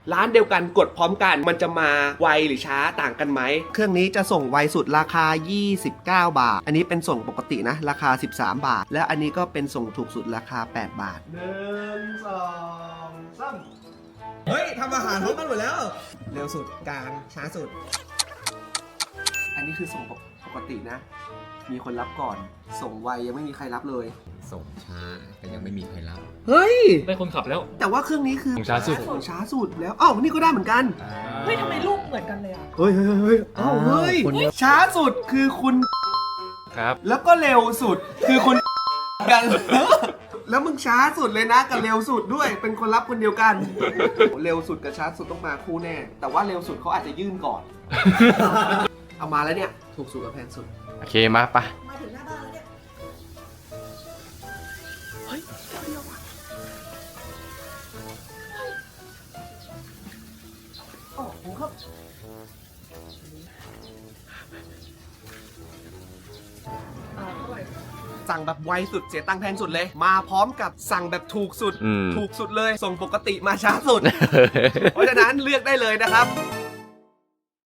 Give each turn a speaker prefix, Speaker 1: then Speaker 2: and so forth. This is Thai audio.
Speaker 1: ร้านเดียวกันกดพร้อมกันมันจะมาไวหรือช้าต่างกันไหมเครื่องนี้จะส่งไวสุดราคา29 บาทอันนี้เป็นส่งปกตินะราคา13 บาทและอันนี้ก็เป็นส่งถูกสุดราคา8 บาท1 2 3เฮ้ยทำอาหารพร้อมกันหมดแล้วเร็วสุดกลางช้าสุดอันนี้คือส่งปกตินะมีคนรับก่อนส่งไวยังไม่มีใครรับเลย
Speaker 2: ส่งช้าแต่ยังไม่มีใครรับ
Speaker 1: เฮ้ย
Speaker 3: ได้คนขับแล้ว
Speaker 1: แต่ว่าเครื่องนี้คือ
Speaker 3: ส่งช้าสุด
Speaker 1: ส่งช้าสุดแล้วอ้าวนี่ก็ได้เหมือนกัน
Speaker 4: เฮ้ยทำไมลูกเหมือนกันเลยอ่ะ
Speaker 1: เฮ้ยอ้าวเฮ้ยช้าสุดคือคุณ
Speaker 3: ครับ
Speaker 1: แล้วก็เร็วสุดคือคุณกัน แล้วมึงช้าสุดเลยนะกับเร็วสุดด้วยเป็นคนรับคนเดียวกัน เร็วสุดกับช้าสุดต้องมาคู่แน่แต่ว่าเร็วสุดเขาอาจจะยื่นก่อน เอามาแล้วเนี่ยถูกสุดกับแพงสุด
Speaker 3: โอเคมาปะ
Speaker 4: มาถึงหน้าบ้านแล้วเนี่ย
Speaker 1: โอ้โหครับสั่งแบบไวสุดเสียตังค์แพงสุดเลย มาพร้อมกับสั่งแบบถูกสุด ถูกสุดเลยส่งปกติมาช้าสุด เพราะฉะนั้นเลือกได้เลยนะครับ